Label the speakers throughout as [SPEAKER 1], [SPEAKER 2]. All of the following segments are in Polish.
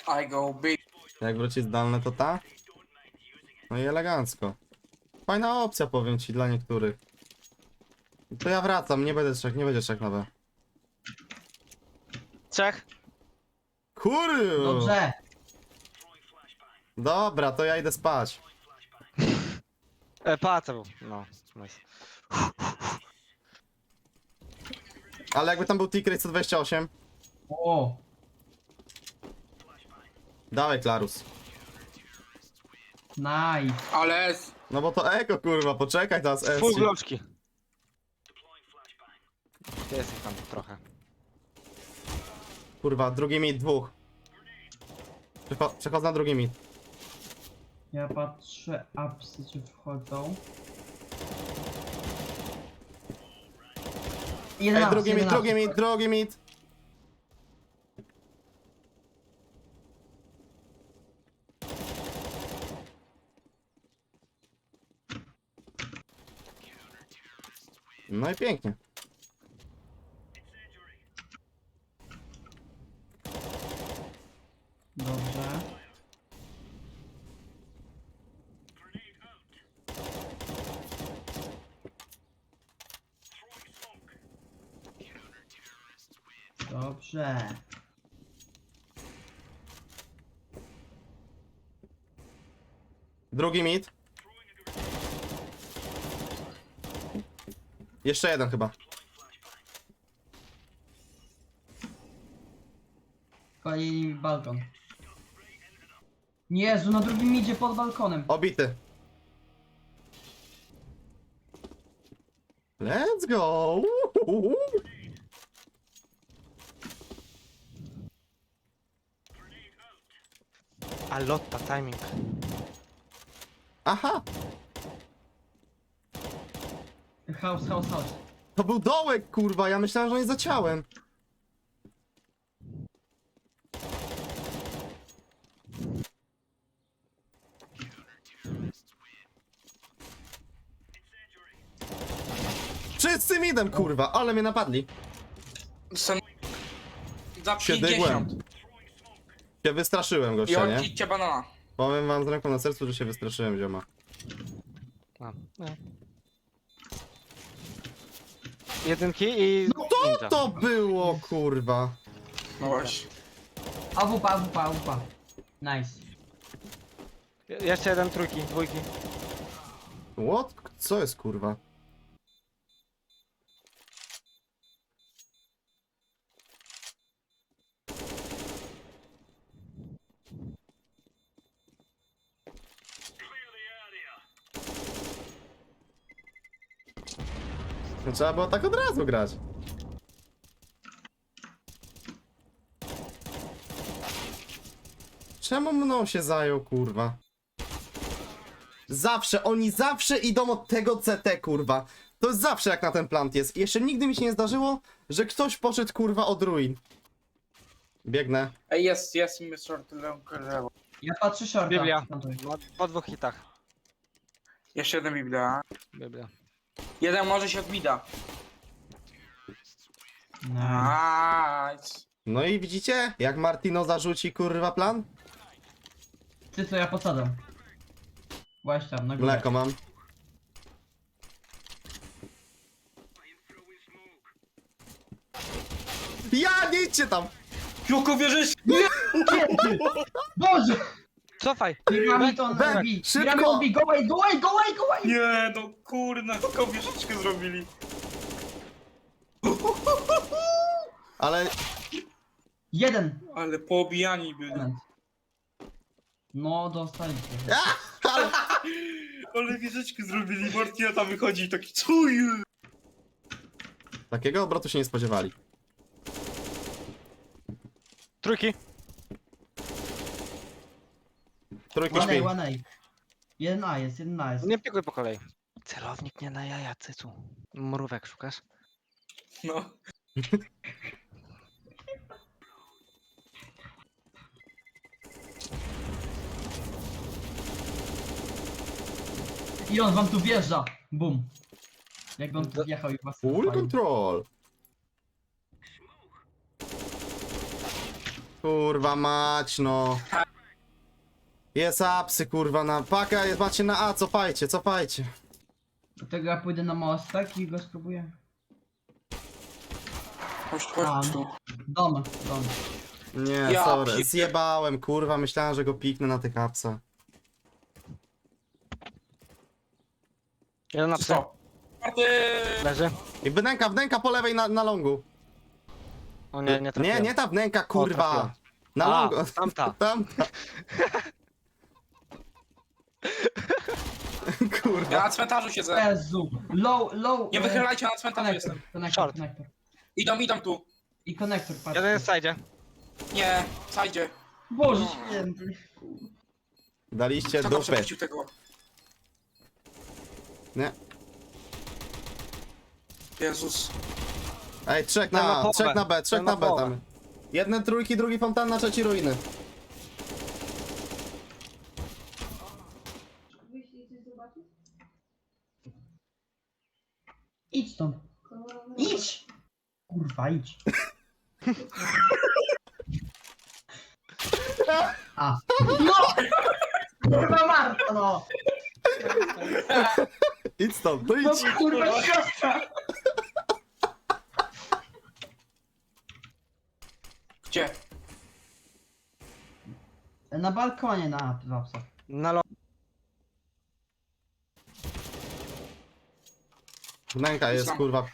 [SPEAKER 1] I go big.
[SPEAKER 2] Jak wróci zdalne, to ta? No i elegancko. Fajna opcja, powiem ci, dla niektórych. To ja wracam, nie będzie trzech na B.
[SPEAKER 3] Trzech.
[SPEAKER 2] Kurwa!
[SPEAKER 4] Dobrze.
[SPEAKER 2] Dobra, to ja idę spać.
[SPEAKER 3] Pałaca był. No, nice.
[SPEAKER 2] Ale jakby tam był T-Crate 128,
[SPEAKER 4] O,
[SPEAKER 2] dawaj Klarus.
[SPEAKER 4] nice.
[SPEAKER 1] Ale
[SPEAKER 2] No bo to eko, kurwa, poczekaj teraz S.
[SPEAKER 3] Full gloczki. Jest ich tam trochę.
[SPEAKER 2] Kurwa, drugi mid, dwóch. Przechodzę na drugi mid.
[SPEAKER 4] Ja patrzę apsy, czy wchodzą. Jeden
[SPEAKER 2] Ej,
[SPEAKER 4] ups,
[SPEAKER 2] drugi
[SPEAKER 4] jeden
[SPEAKER 2] mid, drugi
[SPEAKER 4] ups.
[SPEAKER 2] mid, drugi mid. No i pięknie.
[SPEAKER 4] Dobrze. Dobrze.
[SPEAKER 2] Drugi mid. Jeszcze jeden chyba.
[SPEAKER 4] Kolejny balkon. Jezu, na drugim idzie pod balkonem.
[SPEAKER 2] Obity. Let's go! Uhuhu.
[SPEAKER 3] A lotta, timing.
[SPEAKER 2] Aha!
[SPEAKER 4] House, house, house.
[SPEAKER 2] To był dołek, kurwa, ja myślałem, że on jest za ciałem. Wszyscy midem, kurwa, ale mnie napadli.
[SPEAKER 1] Są za
[SPEAKER 2] Się
[SPEAKER 1] 50.
[SPEAKER 2] dygłem. Się wystraszyłem,
[SPEAKER 1] I
[SPEAKER 2] gościa, nie?
[SPEAKER 1] odcicie banana.
[SPEAKER 2] Powiem wam z ręką na sercu, że się wystraszyłem, zioma.
[SPEAKER 3] A, no. Jedynki i... ninja.
[SPEAKER 2] To było, kurwa.
[SPEAKER 1] No właśnie.
[SPEAKER 4] AWP, AWP, AWP. Nice.
[SPEAKER 3] Jeszcze jeden, trójki, dwójki.
[SPEAKER 2] What? Co jest, kurwa? No, trzeba było tak od razu grać. Czemu mną się zajął, kurwa? Oni zawsze idą od tego CT, kurwa. To jest zawsze jak na ten plant jest. Jeszcze nigdy mi się nie zdarzyło, że ktoś poszedł, kurwa, od ruin. Biegnę.
[SPEAKER 1] Ej, jest Mr. Lewo.
[SPEAKER 4] Ja patrzę shorta.
[SPEAKER 3] Biblia.
[SPEAKER 4] Plantuj.
[SPEAKER 3] No, po dwóch hitach.
[SPEAKER 1] Jeszcze jeden Biblia.
[SPEAKER 3] Biblia.
[SPEAKER 1] Jeden może się odbida. Nice.
[SPEAKER 2] No i widzicie, jak Martino zarzuci, kurwa, plan?
[SPEAKER 4] Ty co, ja podsadzam. Właśnie tam, na górę.
[SPEAKER 2] Mleko mam. Ja, nie idźcie tam!
[SPEAKER 1] Joko wierzysz?
[SPEAKER 4] Boże!
[SPEAKER 3] Cofaj!
[SPEAKER 4] Piramid on
[SPEAKER 2] Bek,
[SPEAKER 4] B.
[SPEAKER 2] szybko!
[SPEAKER 4] Piramid on B. Go away, go away, go away, go away!
[SPEAKER 1] Nie, no kurna, taką wieżyczkę zrobili.
[SPEAKER 2] Ale
[SPEAKER 4] Jeden.
[SPEAKER 1] Ale poobijani byli.
[SPEAKER 4] Element. No, dostaliście.
[SPEAKER 1] Ale wieżyczkę zrobili, Martina tam wychodzi i taki cuj.
[SPEAKER 2] takiego obrotu się nie spodziewali.
[SPEAKER 3] Trójki.
[SPEAKER 2] Trójki
[SPEAKER 4] One
[SPEAKER 2] śpi.
[SPEAKER 4] A, one A. Jeden A jest, jeden A jest.
[SPEAKER 3] Nie pikuj po kolei. Celownik nie na jaja, cycu. Mrówek szukasz?
[SPEAKER 1] No.
[SPEAKER 4] I on wam tu wjeżdża. Bum. Jak on tu wjechał i was
[SPEAKER 2] Full
[SPEAKER 4] zapalił.
[SPEAKER 2] control. Kurwa mać, no. Jest apsy, kurwa, na paka, macie na A, cofajcie, cofajcie.
[SPEAKER 4] Dlatego ja pójdę na mostek i go spróbuję.
[SPEAKER 1] Chodź,
[SPEAKER 4] A,
[SPEAKER 1] chodź tu.
[SPEAKER 4] Dom.
[SPEAKER 2] Nie,
[SPEAKER 1] Ja
[SPEAKER 2] sorry,
[SPEAKER 1] pier-
[SPEAKER 2] zjebałem, kurwa, myślałem, że go piknę na tych apsach.
[SPEAKER 3] Jeden na psy.
[SPEAKER 1] Stop. Czwarty.
[SPEAKER 3] Leży.
[SPEAKER 2] I wnęka po lewej na longu.
[SPEAKER 3] O nie, nie trafiłem.
[SPEAKER 2] Nie ta wnęka, kurwa.
[SPEAKER 3] trafiłem.
[SPEAKER 2] Na
[SPEAKER 3] A,
[SPEAKER 2] longu.
[SPEAKER 3] tamta.
[SPEAKER 2] Tamta. Kurwa.
[SPEAKER 1] Ja na cmentarzu siedzę.
[SPEAKER 4] Jezu. Low.
[SPEAKER 1] Nie wychylajcie, na cmentarzu jestem.
[SPEAKER 4] Konektor.
[SPEAKER 1] Idą tu.
[SPEAKER 4] I konektor, patrz.
[SPEAKER 3] Jeden jest w sajdzie.
[SPEAKER 1] Nie, zajdzie.
[SPEAKER 4] Boże święty.
[SPEAKER 2] Daliście
[SPEAKER 1] Kto tam
[SPEAKER 2] dupy.
[SPEAKER 1] przepuścił tego?
[SPEAKER 2] Nie.
[SPEAKER 1] Jezus.
[SPEAKER 2] Ej, trzech
[SPEAKER 3] Ten ma
[SPEAKER 2] na
[SPEAKER 3] połowę.
[SPEAKER 2] B, trzech
[SPEAKER 3] Ten
[SPEAKER 2] na
[SPEAKER 3] ma
[SPEAKER 2] B
[SPEAKER 3] połowę.
[SPEAKER 2] tam. Jeden trójki, drugi fontanna, trzeci ruiny.
[SPEAKER 4] Idź stąd. Idź! Kurwa, idź. A. No! Kurwa Marta, no!
[SPEAKER 2] Idź stąd, no
[SPEAKER 4] No
[SPEAKER 2] idź.
[SPEAKER 4] kurwa siostra!
[SPEAKER 1] Gdzie?
[SPEAKER 4] Na balkonie na lapsach.
[SPEAKER 3] Na lo...
[SPEAKER 2] Wnęka jest,
[SPEAKER 1] Islam.
[SPEAKER 2] kurwa.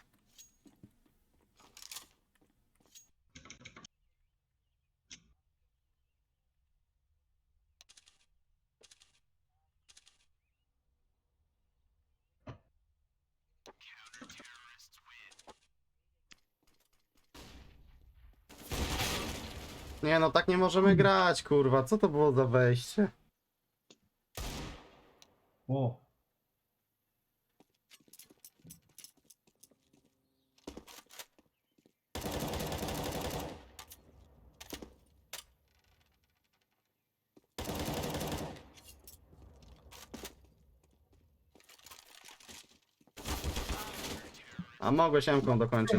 [SPEAKER 2] Nie no, tak nie możemy grać, kurwa. Co to było za wejście?
[SPEAKER 4] O.
[SPEAKER 2] A mogłeś M-ką dokończyć.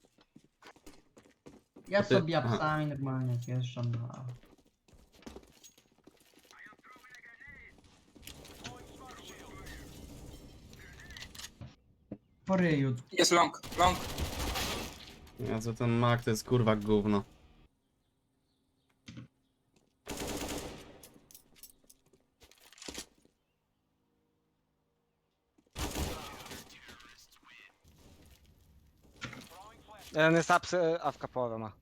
[SPEAKER 4] Ja
[SPEAKER 2] Ty-
[SPEAKER 4] sobie
[SPEAKER 2] aha.
[SPEAKER 4] psami normalnie wjeżdżam na... Po ryju.
[SPEAKER 1] Jest long. Long.
[SPEAKER 2] Jezu, ten mak to jest kurwa gówno.
[SPEAKER 3] Jeden jest apsy, awka połowę ma.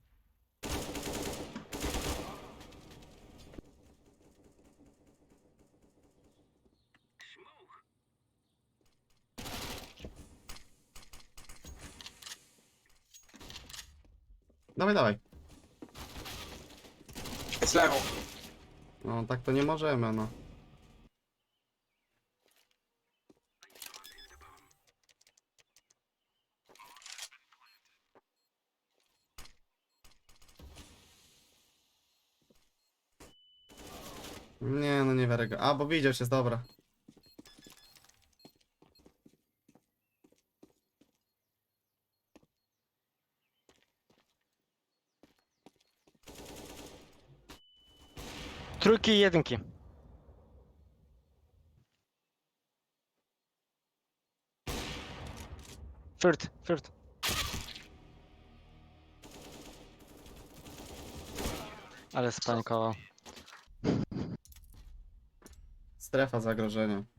[SPEAKER 2] Dawaj, dawaj.
[SPEAKER 1] Jest lewo.
[SPEAKER 2] No tak to nie możemy, no. Nie, no nie wiarę go. A, bo widział się, dobra.
[SPEAKER 3] Trójki i jedynki. Third. Ale spanikował.
[SPEAKER 2] Strefa zagrożenia.